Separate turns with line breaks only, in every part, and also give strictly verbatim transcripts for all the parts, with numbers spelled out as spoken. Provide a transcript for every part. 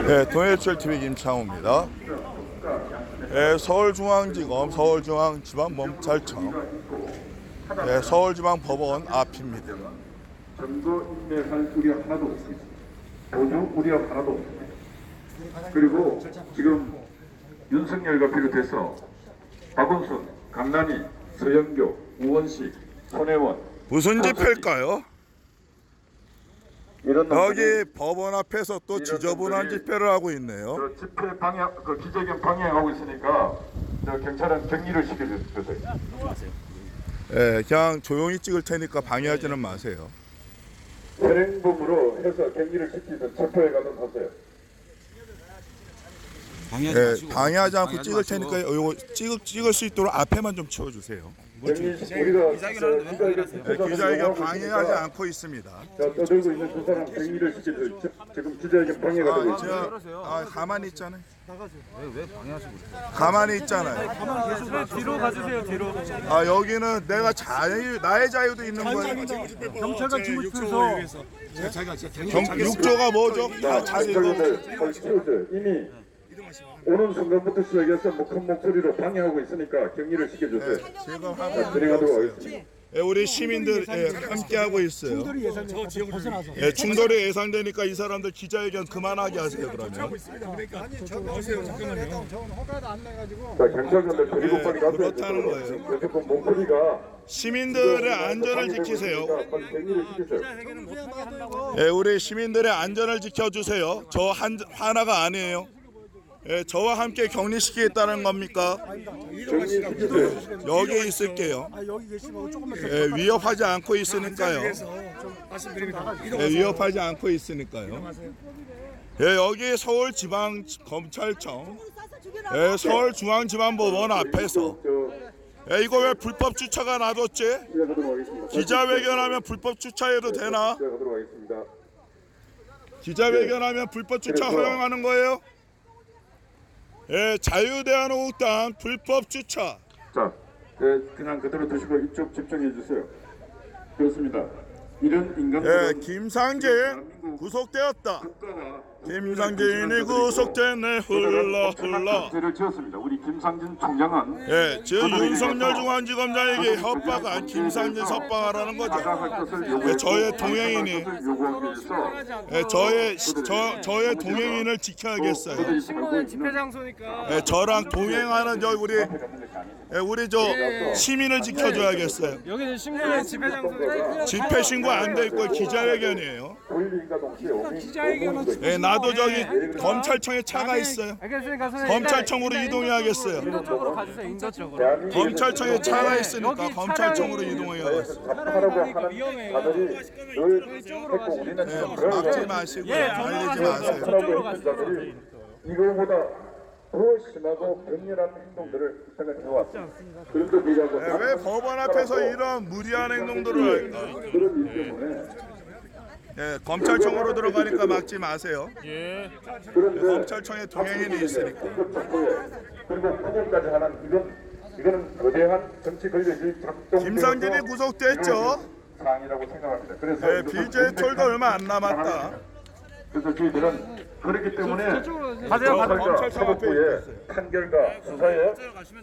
네, 동해철티비 김창호입니다. 네, 서울중앙지검 서울중앙지방검찰청 네, 서울지방법원 앞입니다.
점거 인내할 우려 하나도 없습니다. 보조 우려 하나도 없습니다. 그리고 지금 윤석열과 비롯해서 박원순, 강남희, 서영교, 우원식, 손혜원
무슨 집회일까요?
이런
여기 법원 앞에서 또 지저분한 집회를 하고 있네요.
저 집회 방해, 그 기자회견 방해하고 있으니까 저 경찰은 격리를 시켜주세요.
네, 그냥 조용히 찍을 테니까 방해하지는 마세요.
현행범으로 해서 격리를 시키든 체포해 가든 하세요.
방해하지
네,
마시고.
방해하지 않고
방해하지
찍을
마시고.
테니까 요거 찍을 찍을 수 있도록 앞에만 좀 치워주세요.
격리 우리가
기자회견 하는데 왜
네, 기자회견 방해하지 않고 있습니다.
자, 떠들고 있는 두 사람 격리를 시켜줘. 지금 기자회견 방해가 되고
아,
있습니다.
저, 아, 가만히 있잖아요.
왜, 왜 방해하시고 그러세요?
가만히 있잖아요.
뒤로 가주세요. 뒤로.
아, 여기는 내가 자유, 나의 자유도 있는 거예요.
경찰관 침입해서
경, 육조가 뭐죠? 다 자유.
경찰관들 걸 치우세요. 이미 오는 순간부터 시작해서 뭐 큰 목소리로 방해하고 있으니까 격리를 시켜주세요.
지금
자,
하고
진행하도록
있어요.
하겠습니다.
예, 우리 시민들 예, 함께 하고 있어요.
충돌이 예상돼서 벗어나서.
예, 충돌이 예상되니까 이 사람들 기자회견 그만하게 하세요. 그러면.
저는 허가도 안 내가지고.
자, 경찰관들 데리고
예,
빨리 가세요.
그렇다는 거예요.
무조건 목소리가
시민들의 안전을 지키세요.
빨리 격리를 시키세요.
예, 우리 시민들의 안전을 지켜주세요. 저 한, 하나가 아니에요. 예, 저와 함께 격리시키겠다는 겁니까?
격리시키세요.
여기 있을게요.
아 여기 계시면 조금만 더.
예, 위협하지 않고 있으니까요. 예, 위협하지 않고 있으니까요. 예, 여기 서울지방검찰청, 예, 서울중앙지방법원 앞에서
저
예, 이거 왜 불법 주차가 놔뒀지?
시작하도록 하겠습니다.
기자회견하면 불법 주차해도 되나?
시작하도록 하겠습니다.
기자회견하면 불법 주차 허용하는 거예요? 예, 자유대한민국당 불법 주차.
자, 네, 그냥 그대로 두시고 이쪽 집중해 주세요. 그렇습니다. 이런 인간
예, 김상진 구속되었다. 김상진이 구속됐네 훌라 훌라.
죄를 지었습니다. 우리 김상진 총장은
예, 지금 윤석열 중앙지검장에게 협박한 김상진 석방하라는 거죠. 예, 저의 동행인이 예, 저의 저 저의 동행인을 지켜야겠어요.
신고는 집회 장소니까.
예, 저랑 동행하는 저 우리 예, 우리 저 시민을 지켜줘야겠어요.
여기는 신고는 집회 장소니까.
집회 신고 안 돼 있고 기자회견이에요.
기자회견은
예, 나도 저기 검찰청에 차가 있어요.
알겠으니까 선생님.
검찰청으로 이동해야겠어요.
인도 쪽으로 가주세요. 인도 쪽으로.
검찰청에 차가 있으니까
여기
검찰청으로
차량이-
이동해야겠어요.
하라고 하는
위험해요.
자들이 늘 했고 우리는
예,
지금 그런
막지
거
마시고
예,
말리지
전화가세요.
마세요.
하라고 했던 자들이 이거보다 더 심하고 격렬한 행동들을 생각해 왔습니다. 그런데 불구하고
예, 왜 법원 앞에서 이런 무리한 행동들을 할까?
그런 일 때문에
예, 검찰청으로 들어가니까 막지 마세요.
그런데
검찰청에 동행인이 있으니까.
그리고 구금까지 하는 이건 이거는 거대한 정치 권력이 작동.
김상진이 구속됐죠.
사항이라고 생각합니다. 그래서
예, 비제이 톨도 얼마 안 남았다.
그래서 저희들은 그렇기 때문에
가세요.
검찰청
사법부의
앞에
판결과 수사에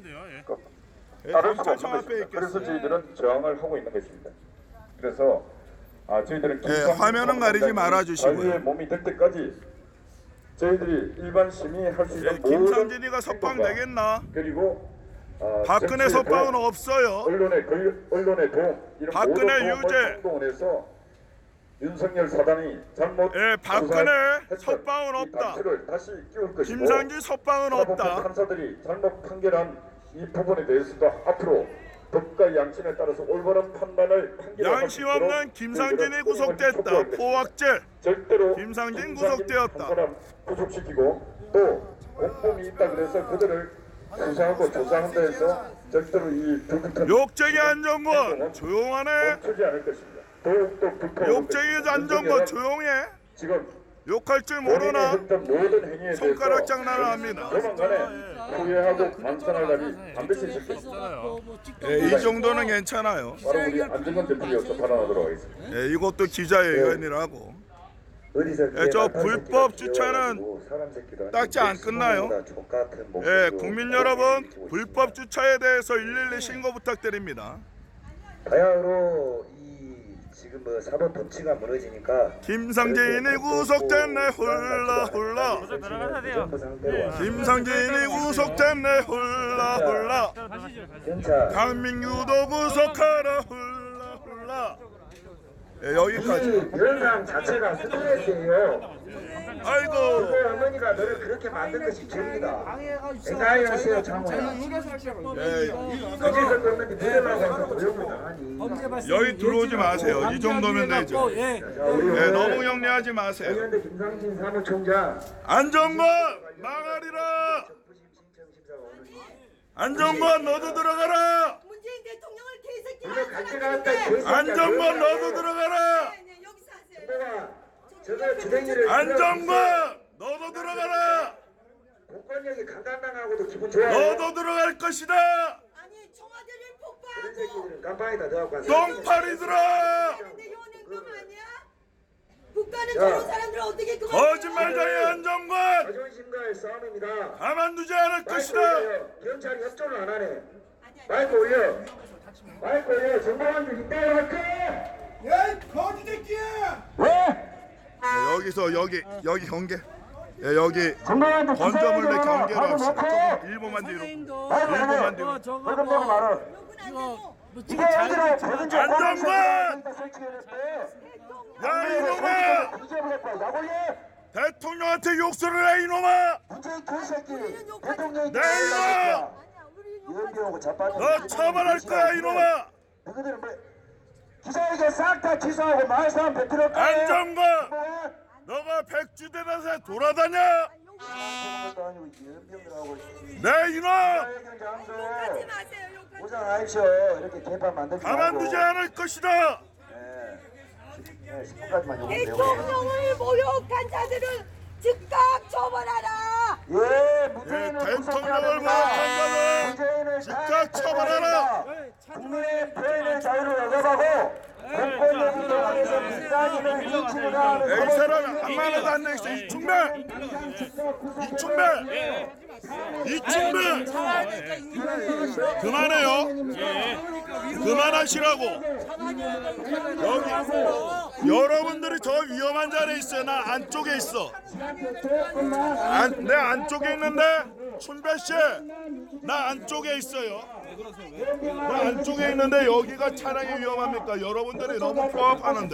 예,
따를 수가
검찰청
없는
앞에
것입니다. 그래서
있겠어요.
저희들은 저항을 하고 있는 것입니다. 그래서 아, 저희들은
예, 화면은 가리지 말아주시고요.
자유의 몸이 될 때까지 저희들이 일반 시민이 할 수
예,
있는 모든
김상진이가 석방
행동과
되겠나?
그리고 아,
박근혜
정치의
석방은
도움,
없어요.
언론의 권- 언론의 도움 이런
박근혜
모든
유죄.
행동을 해서 윤석열 사단이 잘못
예, 박근혜
조사했던
석방은
이
없다.
단추를 다시 끼울 것이고
김상진 석방은
사법부
없다.
판사들이 잘못 판결한 이 부분에 대해서도 앞으로 법과 양심에 따라서 올바른 판단을 판결할
양심 없는 김상진이 구속됐다. 포악죄.
절대로
김상진
김상진
구속되었다.
한 사람 구속시키고 또 공범이 있다 그래서 그들을 수사하고 조사한다 해서 절대로 이 불같은
욕쟁이 안정권 조용하네.
멈추지 않을 것입니다. 더욱더 불쾌한
욕쟁이 안정권 조용해.
지금
욕할 줄 모르나?
했던 모든 행위에
손가락
대해서
장난을 합니다.
조만간에 후회하고 반성할 날이 반드시 있을 것입니다.
예, 이 정도는 괜찮아요.
바로 우리 안정권 대표로서 발언하도록 하겠습니다.
예, 이것도 기자회견이라고.
어디서
예, 저 불법 주차는 딱지 안 끝나요. 예, 국민 여러분, 불법 주차에 대해서 일일이 신고 부탁드립니다.
바야흐로 이 지금 뭐 사법 법치가 무너지니까
김상진이 구속됐네 훌라 훌라.
들어가야 돼요.
김상진이 구속됐네 훌라 훌라.
경찰
강민규도 구속하라 훌라 훌라. 예, 여기까지.
이 영상 자체가 스트레스예요.
아이고.
그 어머니가 너를 그렇게 만든 것이 죄입니다. 생각하세요, 장모야.
예,
그제서 그런데 무대라고 해서 고용을 당하니.
여기 들어오지 마세요. 이 정도면 되죠. 예, 너무 영리하지 마세요.
그런데 김상진 사무총장
안정권 망하리라. 안정권 너도 들어가라.
문재인 대통령을
우리가 갈 때가
개새끼
왔다. 개새끼야.
안정권 너도 들어가라.
네, 여기서 하세요.
누가 저거 주댕이를
안정권 너도 들어가라.
공권력이 강간당하고도 기분 좋아요.
너도 들어갈 것이다.
아니 청와대를
그런
폭파하고
새끼들은 깜빵에다 넣어갖고 왔어.
똥파리들아.
근데 요는 금 아니야? 국가는
야.
저런 사람들을 어떻게 그만
거짓말쟁이 안정권
자존심과의 싸움입니다.
가만두지 않을
마이크
것이다.
올려요. 경찰이 협조를 안 하네. 마이크 올려. 마이크 올려. 정보원들 이따가 할 거야. 왜?
네, 여기서 여기 여기 경계. 예, 여기
정보원들
건조물대 경계로 합시다. 조금 일 분만 뒤로. 일 분만 뒤로.
벌금 내고 말어. 이게 애들을 벌금 좀
안정권! 야 이놈아!
뒤져버렸다. 약 올려.
대통령한테 욕설을 해 이놈아!
문재인 개새끼. 대통령이
네, 이놈아!
연병하고 자빠져.
너 처벌할 거야 이놈아!
너희들은 뭐 기자회견 싹 다 취소하고 마을 사람 뱉으러 가.
안정권! 너가 백주대낮에 돌아다녀! 네 이놈!
욕하지 마세요. 욕하지
고생하십시오. 이렇게 개판 만들지 말고.
가만두지 않을 것이다!
네, 십 분까지만 요구해요.
대통령을 모욕한 자들을 즉각 처벌하라.
예,
예,
문재인을
대통령을 모욕한 자는 즉각 처벌하라!
국민의 표현의 자유를 억압하고 공권력이 동원해서 민간인을 린치를 하는
이 사람 한마디도 안 내겠어 이충배! 이충배! 이충배! 그만해요! 그만하시라고! 여기 여러분들이 저 위험한 자리에 있어요. 나 안쪽에 있어. 안, 내 안쪽에 있는데 춘배 씨, 나 안쪽에 있어요. 나 안쪽에 있는데 여기가 차량이 위험합니까? 여러분들이 너무 포함하는데.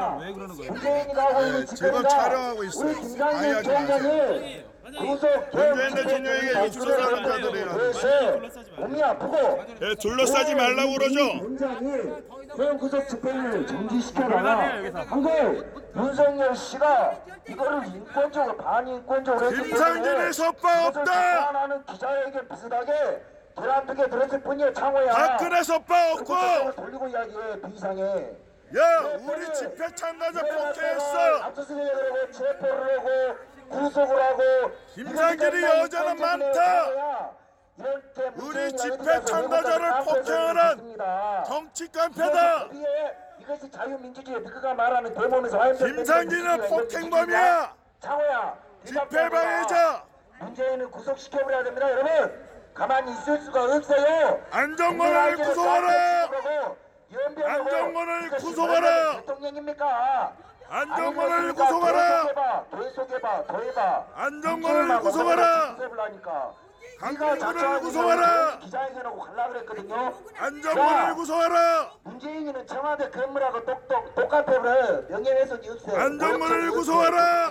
네, 지금 촬영하고 있어요. 방해하지 마세요. 문재인 대통령에게 욕설하는 자들이야.
몸이 아프고
예, 둘러싸지 말라고 그러죠.
문장이 소형 구속 집행을 정지시켜라. 한국 윤석열 씨가 이거를 인권적으로 반인권적으로 했기
김상진의 섭바 없다.
하는 기자회견 비슷하게 계란두개 들었을 뿐이야. 창호야.
박근혜 섭바 없고.
돌리고 이야기해. 비상해.
야, 우리 집회 참가자 폭행했어.
압수수색을 하고 체포를 하고 구속을 하고
김상진이 여자는 많다. 우리 집회 참가자를 폭행하는 정치 깡패다.
이것이 자유민주주의 너가 말하는 대모면서 화염병
김상진은 폭행범이야.
창호야.
집회 방해자.
문재인은 구속시켜버려야 됩니다. 여러분 가만히 있을 수가 없어요.
안정권을 구속하라. 안정권을 구속하라.
대통령입니까?
안정권을 구속하라.
더 해봐, 더 해봐.
안정권을 구속하라. 강민구를 구속하라.
기자회견하고 갈라 그랬거든요.
안정권을 구속하라.
문재인이는 청와대 건물하고 똑똑 똑같아요. 명예훼손이 없어요.
안정권을 구속하라.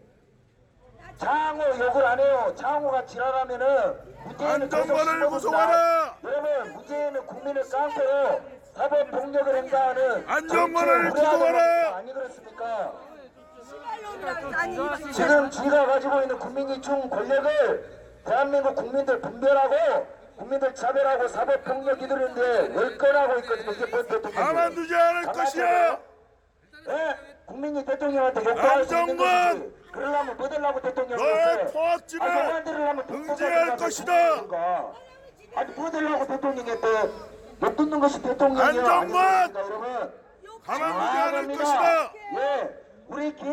장호 욕을 안 해요. 장호가 지랄하면은 문재인은
안정권을 구속하라.
여러분 문재인은 국민을 깡패로 사법 폭력을 행사하는
안정권을
정치를
구속하라.
아니 그렇습니까?
아니
지금 지가 가지고 있는 국민이 준 권력을 대한민국 국민들 분별하고 국민들 차별하고 사법 폭력 이들인데 월권하고 있거든요. 이게 뭔 대통령?
가만두지 않을 것이야.
네? 국민이 대통령한테 욕할 수 있는
안정권!
것이지. 그러려면 뭐 되려고 대통령이
너의 포악질을 응징할 것이다.
아니 뭐 되려고 대통령한테 욕 듣는 것이 대통령이야.
안정권!
아닙니까, 여러분?
가만두지 않을
잘합니다.
것이다.
예, 우리 김창호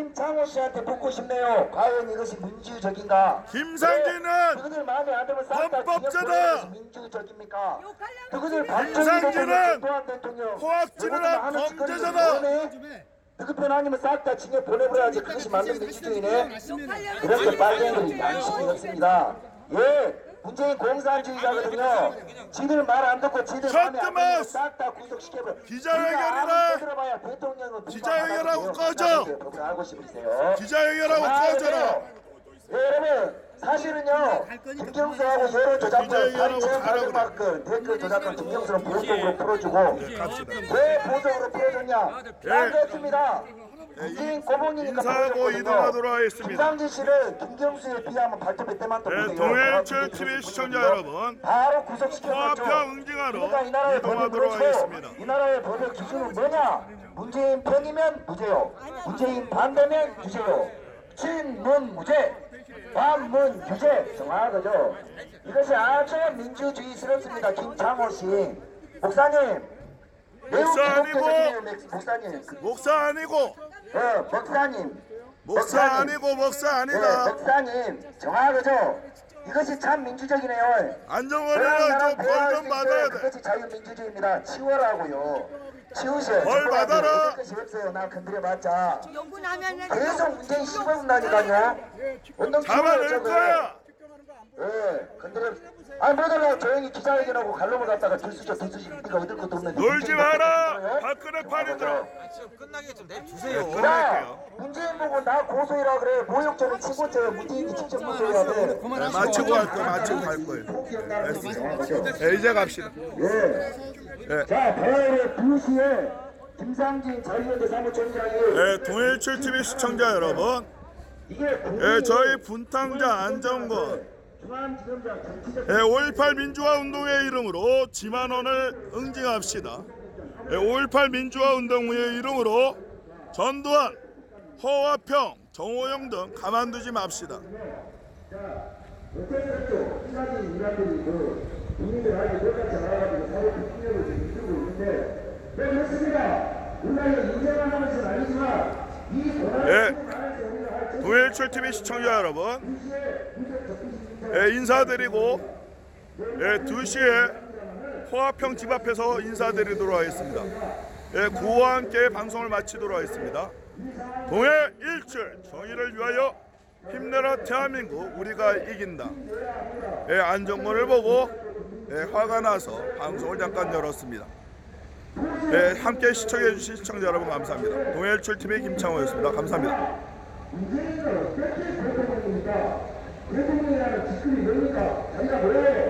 씨한테 묻고 싶네요. 과연 이것이 민주적인가?
김상진은
네, 그들 마음에 안 들면 싹다
헌법자다.
민주적입니까?
욕하려고
그들
집에
박정희
김상진은
대통령, 전두환 대통령,
호학질을
누구든
한
하는 짓거리를
범죄자다.
원해? 그편 아니면 싹 다 징역 보내버려야지. 그것이 맞는 민주주의네.
욕하려고
그렇게
집에
빨갱이들이
욕해요.
양심이 없습니다. 예, 문재인 공산주의자거든요. 지들 말 안 듣고 지들 마음에 안 들면
셔트마우스.
싹다 구속시켜버려.
기자회견이라.
들어봐야 대통령은
기자회견하고 꺼져.
법을 알고 싶으세요.
기자회견하고
아,
꺼져라.
네, 여러분 사실은요 김경수하고 여론 조작권
기자회견하고
사천사백
가라고
건댓글 조작권 김경수는 보석으로 풀어주고 왜 보석으로 풀어줬냐? 딴거였습니다. 문재인 고봉이니까
인사하고
풀어줬거든요.
이동하도록 하겠습니다.
김상진 씨를 김경수에 비하면 발톱 때만 또
네,
보세요.
동해일출 티비 시청자 여러분,
바로 구속시켜줬죠.
화평 응징하러
그러니까 이 나라의 법이
이동하도록
그렇죠.
하겠습니다.
이 나라의 법의 기준은 뭐냐? 문재인 편이면 무죄요. 문재인 반대면 유죄요. 친문 무죄, 반문 유죄. 정확하죠. 이것이 아주 민주주의스럽습니다. 김창호 씨, 목사님. 매우
목사 아니고.
기독교적이에요, 목사님. 그,
목사 아니고
어, 목사님.
목사 아니고 목사
네,
아니다.
목사님. 정확하죠. 이것이 참 민주적이네요.
안정원이는 좀 벌 좀 받아야 돼.
그것이 자유민주주의입니다. 치워라고요. 치우셔.
벌 받아라.
것이 없어요. 나 건드려봤자.
욕은 하면은
계속 문재인 씹어본다니까요. 운동
잡아낼
치워요, 저거.
거야.
예, 건드려. 아니 뭐들라 조용히 기자회견하고 갈롱을 갖다가 들쑤셔 들쑤시 네가 얻을 것도 없는데.
놀지
문재인
마라.
대통령이요?
박근혜 팔이들아.
끝나게 좀 내주세요.
자,
끝낼게요.
문재인 보고 나 고소해라 그래. 모욕죄는 친고죄. 문재인이 직접 고소해야 돼.
네, 마치고 갈 거예요. 마치고 갈 거예요. 네, 이제 갑시다.
예. 자, 토요일 두 시에 김상진 자유연대 사무총장이
네, 동해일출 티비 시청자 여러분,
이게
네, 저희 분탕자 안정권
중앙지검장 정치적
네, 오일팔 민주화 운동회 이름으로 지만원을 응징합시다. 네, 오일팔 민주화 운동회 이름으로 전두환, 허화평, 정호영 등 가만두지 맙시다.
어쨌든 신사진 인간들이 그 국민들한테 똑같이 나와가지고 사회 폭력을 지금 이루고 있는데 네 그렇습니다. 우리가 인정을 하는 것은 아니지만 이
네, 동해일출 티비 시청자 여러분, 네, 인사드리고 네, 두 시에 호화평 집 앞에서 인사드리도록 하겠습니다. 네, 구호와 함께 방송을 마치도록 하겠습니다. 동해일출 정의를 위하여 힘내라 대한민국, 우리가 이긴다. 예, 안정권을 보고 예, 화가 나서 방송을 잠깐 열었습니다. 예, 함께 시청해 주신 시청자 여러분 감사합니다. 동해일출 티비 김창호였습니다. 감사합니다.
문재인은 어떻게 대통령입니까? 대통령이라는 직급이 뭡니까? 자기가 왜